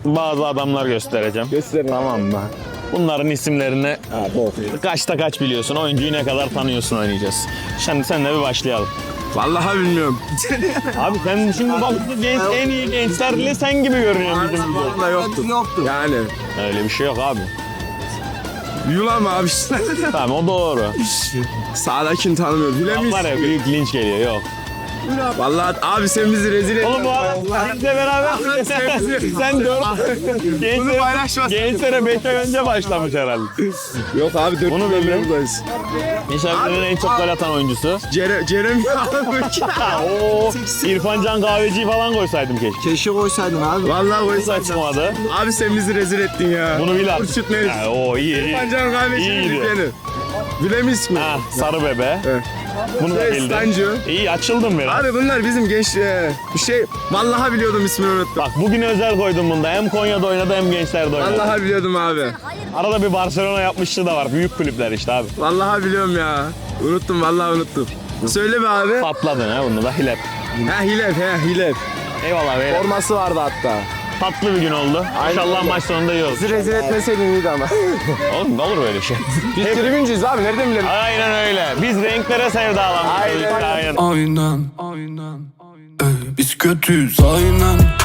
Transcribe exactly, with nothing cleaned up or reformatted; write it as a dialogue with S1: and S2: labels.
S1: bazı adamlar göstereceğim.
S2: Gösterin.
S1: Tamam mı? Bunların isimlerini
S2: Ha, bol.
S1: kaçta kaç biliyorsun, oyuncuyu ne kadar tanıyorsun oynayacağız. Şimdi senle bir başlayalım.
S2: Vallahi bilmiyorum.
S1: Abi sen şimdi bak genç, en iyi gençlerle sen gibi görünüyorsun bizim gibi.
S2: Vallahi yoktu. Yoktu. Yani.
S1: Öyle bir şey yok abi.
S2: Yulan mı abi?
S1: Tamam o doğru.
S2: Sağdakini tanımıyorum. Bilemeyiz.
S1: Var ya büyük linç geliyor yok.
S2: Vallahi abi sen bizi rezil ettin.
S1: Oğlum bu adam bizle beraber sen dört gençlere,
S2: paylaşmasın.
S1: gençlere beş ay önce başlamış herhalde.
S2: Yok abi dört
S1: Bunu
S2: yıldır
S1: bildim.
S2: buradayız.
S1: Nişanlı'nın en çok gol atan oyuncusu.
S2: Cere, Cerem
S1: Ha, o İrfan Can Kahveci'yi falan koysaydım keşke.
S3: Keşke koysaydın abi.
S2: Vallahi
S1: Bu
S2: bu
S1: saçmadı.
S2: Abi sen bizi rezil ettin ya.
S1: Bunu bil artık.
S2: Kurşut Meriç.
S1: Ha, o iyi iyi.
S2: Pancar kahvesinin
S1: İyiydi.
S2: dükkanı. Bilemeyiz mi?
S1: Ha, sarı bebe.
S2: Evet.
S1: Bunu da
S2: Şey,
S1: bildin.
S2: Stancı.
S1: İyi açıldım biraz.
S2: Abi bunlar bizim genç e, bir şey. Vallahi biliyordum ismini unuttum.
S1: Bak bugün özel koydum bunda. Hem Konya'da oynadı hem gençlerde oynadı.
S2: Vallahi biliyordum abi.
S1: Arada bir Barcelona yapmışlığı da var. Büyük kulüpler işte abi.
S2: Vallahi biliyorum ya. Unuttum vallahi unuttum. Söyle be abi.
S1: Patladın ha bunu da Hilep.
S2: Ha Hilef he Hilef.
S1: Eyvallah beyler.
S2: Forması vardı hatta.
S1: Tatlı bir gün oldu. İnşallah maç sonunda iyi olur.
S2: Bizi rezil etmeseydin iyiydi ama.
S1: Oğlum ne olur böyle şey.
S2: Biz tribüncüyüz abi nereden bilelim?
S1: Aynen öyle. Biz renklere sevdalanmışız.
S2: Aynen.
S1: Aynen.
S4: Aynen, aynen, aynen. Ey, biz kötüyüz aynen.